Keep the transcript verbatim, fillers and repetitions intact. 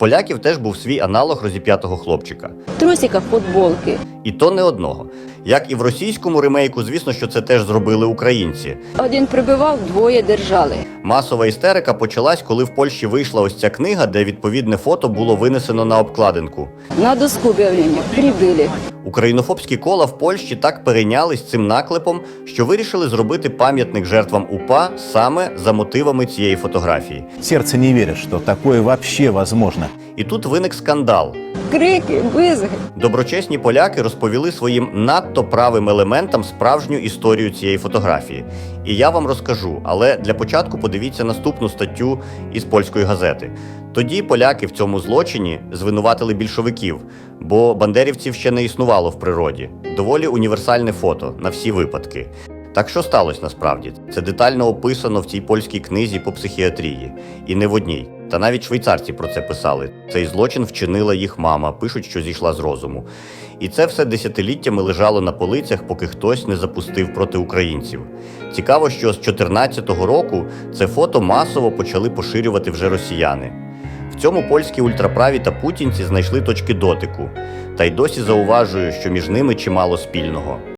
поляків теж був свій аналог розіп'ятого хлопчика. Трусика, футболки. І то не одного. Як і в російському ремейку, звісно, що це теж зробили українці. Один прибивав, двоє держали. Масова істерика почалась, коли в Польщі вийшла ось ця книга, де відповідне фото було винесено на обкладинку. На доску об'явлення прибили. Українофобські кола в Польщі так перейнялись цим наклепом, що вирішили зробити пам'ятник жертвам УПА саме за мотивами цієї фотографії. Сердце не верит, что такое вообще возможно. І тут виник скандал. Крики, визги. Доброчесні поляки розповіли своїм надто правим елементам справжню історію цієї фотографії. І я вам розкажу, але для початку подивіться наступну статтю із польської газети. Тоді поляки в цьому злочині звинуватили більшовиків, бо бандерівців ще не існувало в природі. Доволі універсальне фото на всі випадки. Так що сталося насправді? Це детально описано в цій польській книзі по психіатрії. І не в одній. Та навіть швейцарці про це писали. Цей злочин вчинила їх мама, пишуть, що зійшла з розуму. І це все десятиліттями лежало на полицях, поки хтось не запустив проти українців. Цікаво, що з чотирнадцятого року це фото масово почали поширювати вже росіяни. В цьому польські ультраправі та путінці знайшли точки дотику. Та й досі зауважую, що між ними чимало спільного.